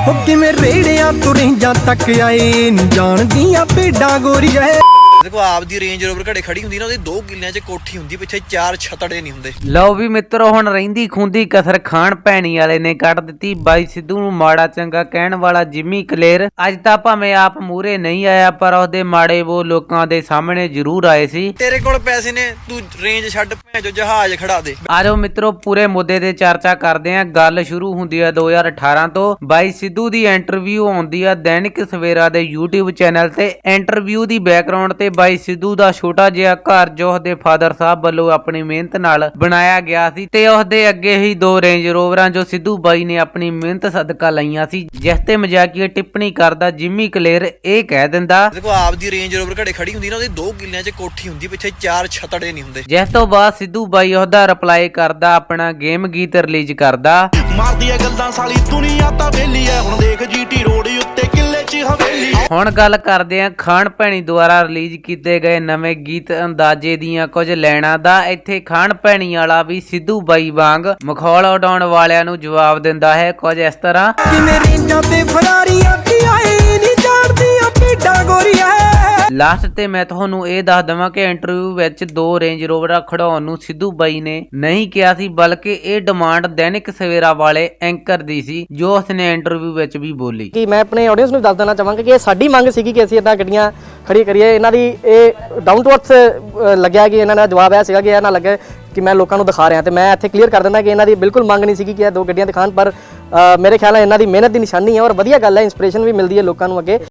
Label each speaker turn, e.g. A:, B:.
A: ਹੋ ਕਿਵੇਂ ਰੇੜਿਆਂ ਤੁਰਿੰਜਾਂ ਤੱਕ ਆਏ ਨੀ ਜਾਣਦੀਆਂ ਭੇਡਾਂ ਗੋਰੀਏ।
B: देखो आपदी रेंज रोवर घड़े खड़ी हुंदी ना ਉਹਦੇ 2 ਕਿੱਲਿਆਂ 'ਚ ਕੋਠੀ ਹੁੰਦੀ ਪਿੱਛੇ 4 ਛਤੜੇ ਨਹੀਂ ਹੁੰਦੇ।
C: ਲਓ ਵੀ ਮਿੱਤਰੋ ਹੁਣ ਰਹਿੰਦੀ ਖੁੰਦੀ ਕਸਰ ਖਾਣ ਭੈਣੀ ਵਾਲੇ ਨੇ ਕੱਢ ਦਿੱਤੀ ਬਾਈ ਸਿੱਧੂ ਨੂੰ ਮਾੜਾ ਚੰਗਾ ਕਹਿਣ ਵਾਲਾ ਜਿਮੀ ਕਲੇਰ। ਅੱਜ ਤਾਂ ਭਾਵੇਂ ਆਪ ਮੂਰੇ ਨਹੀਂ ਆਇਆ ਪਰ ਉਹਦੇ ਮਾੜੇ ਉਹ ਲੋਕਾਂ ਦੇ ਸਾਹਮਣੇ ਜ਼ਰੂਰ ਆਏ ਸੀ।
B: ਤੇਰੇ ਕੋਲ ਪੈਸੇ ਨੇ ਤੂੰ ਰੇਂਜ ਛੱਡ ਭੈਜੋ ਜਹਾਜ਼ ਖੜਾ ਦੇ।
C: ਆਜੋ ਮਿੱਤਰੋ ਪੂਰੇ ਮੁੱਦੇ ਤੇ ਚਰਚਾ ਕਰਦੇ ਆਂ। ਗੱਲ ਸ਼ੁਰੂ ਹੁੰਦੀ ਆ 2018 ਤੋਂ। ਬਾਈ ਸਿੱਧੂ ਦੀ ਇੰਟਰਵਿਊ ਆਉਂਦੀ ਆ ਦੈਨਿਕ ਸਵੇਰਾ ਦੇ YouTube ਚੈਨਲ ਤੇ। ਇੰਟਰਵਿਊ ਦੀ ਬੈਕਗ੍ਰਾਉਂਡ ਤੇ ਬਾਈ ਸਿੱਧੂ ਦਾ ਛੋਟਾ ਜਿਹਾ ਘਰ ਜੋ ਉਹਦੇ ਫਾਦਰ ਸਾਹਿਬ ਵੱਲੋਂ ਆਪਣੀ ਮਿਹਨਤ ਨਾਲ ਬਣਾਇਆ ਗਿਆ ਸੀ ਤੇ ਉਹਦੇ ਅੱਗੇ ਹੀ 2 ਰੇਂਜ ਰੋਵਰਾਂ ਜੋ ਸਿੱਧੂ ਬਾਈ ਨੇ ਆਪਣੀ ਮਿਹਨਤ ਸਦਕਾ ਲਈਆਂ ਸੀ, ਜਿਸ ਤੇ ਮਜ਼ਾਕੀਆ ਟਿੱਪਣੀ ਕਰਦਾ ਜਿਮੀ ਕਲੇਰ ਇਹ ਕਹਿ ਦਿੰਦਾ
B: ਦੇਖੋ ਆਪਦੀ ਰੇਂਜ ਰੋਵਰ ਘੜੇ ਖੜੀ ਹੁੰਦੀ ਨਾ ਉਹਦੇ 2 ਕਿੱਲਿਆਂ 'ਚ ਕੋਠੀ ਹੁੰਦੀ ਪਿੱਛੇ 4 ਛਤੜੇ ਨਹੀਂ ਹੁੰਦੇ।
C: ਜਿਸ ਤੋਂ ਬਾਅਦ ਸਿੱਧੂ ਬਾਈ ਉਹਦਾ ਰਿਪਲਾਈ ਕਰਦਾ ਆਪਣਾ ਗੇਮ ਗੀਤ ਰਿਲੀਜ਼ ਕਰਦਾ।
D: ਮਾਰਦੀ ਐ ਗੱਲਾਂ ਸਾਲੀ ਦੁਨੀਆ ਤਾਂ ਵੇਲੀ ਐ ਹੁਣ ਦੇਖ ਜੀਟੀ ਰੋਡ ਉੱਤੇ ਕਿੱਲੇ 'ਚ ਹਵੇਲੀ।
C: ਹੁਣ ਗੱਲ ਕਰਦੇ ਆਂ ਖਾਨ ਭੈਣੀ ਦੁਆਰਾ ਰਿਲੀਜ਼ ਕੀਤੇ ਗਏ ਨਵੇਂ ਗੀਤ ਅੰਦਾਜ਼ੇ ਦੀਆਂ ਕੁਝ ਲੈਣਾ ਦਾ। ਇੱਥੇ ਖਾਨ ਭੈਣੀ ਵਾਲਾ ਵੀ ਸਿੱਧੂ ਬਾਈ ਵਾਂਗ ਮਖੌਲ ਉਡਾਉਣ ਵਾਲਿਆਂ ਨੂੰ ਜਵਾਬ ਦਿੰਦਾ ਹੈ ਕੁਝ ਇਸ ਤਰ੍ਹਾਂ।
A: ਕਿਵੇਂ ਰੇਂਜਾਂ ਤੇ ਫਰਾਰੀਆਂ ਕੀ ਆਏ ਨੀ ਜਾਣਦੀਆਂ ਭੇਡਾਂ ਗੋਰੀਏ।
C: ਲਾਸਟ ਤੇ ਮੈਂ ਤੁਹਾਨੂੰ ਇਹ ਦੱਸ ਦਵਾਂ ਕਿ ਇੰਟਰਵਿਊ ਵਿੱਚ 2 ਰੇਂਜ ਰੋਵਰਾਂ ਖੜਾਉਣ ਨੂੰ ਸਿੱਧੂ ਬਾਈ ਨੇ ਨਹੀਂ ਕਿਹਾ ਸੀ, ਬਲਕਿ ਇਹ ਡਿਮਾਂਡ ਦੈਨਿਕ ਸਵੇਰਾ ਵਾਲੇ ਐਂਕਰ ਦੀ ਸੀ ਜੋ ਉਸਨੇ ਇੰਟਰਵਿਊ ਵਿੱਚ ਵੀ ਬੋਲੀ।
E: ਕਿ ਮੈਂ ਆਪਣੇ ਆਡੀਅנס ਨੂੰ ਦੱਸ ਦੇਣਾ ਚਾਹਾਂਗਾ ਕਿ ਇਹ ਸਾਡੀ ਮੰਗ ਸੀਗੀ ਕਿ ਅਸੀਂ ਇਹਨਾਂ ਗੱਡੀਆਂ ਖੜੀ ਕਰੀਏ। ਇਹਨਾਂ ਦੀ ਇਹ ਡਾਊਨ ਟੂ ਅਰਥ ਲੱਗਿਆ ਕਿ ਇਹਨਾਂ ਦਾ ਜਵਾਬ ਇਹ ਸੀਗਾ ਕਿ ਇਹ ਨਾ ਲੱਗੇ ਕਿ ਮੈਂ ਲੋਕਾਂ ਨੂੰ ਦਿਖਾ ਰਿਹਾ। ਤੇ ਮੈਂ ਇੱਥੇ ਕਲੀਅਰ ਕਰ ਦਿੰਦਾ ਕਿ ਇਹਨਾਂ ਦੀ ਬਿਲਕੁਲ ਮੰਗ ਨਹੀਂ ਸੀਗੀ ਕਿ ਇਹ 2 ਗੱਡੀਆਂ ਦਿਖਾਣ, ਪਰ ਮੇਰੇ ਖਿਆਲ ਨਾਲ ਇਹਨਾਂ ਦੀ ਮਿਹਨਤ ਦੀ ਨਿਸ਼ਾਨੀ ਹੈ ਔਰ ਵਧੀਆ ਗੱਲ ਹੈ, ਇੰਸਪੀਰੇਸ਼ਨ ਵੀ ਮਿਲਦੀ ਹੈ ਲੋਕਾਂ ਨੂੰ ਅੱਗੇ।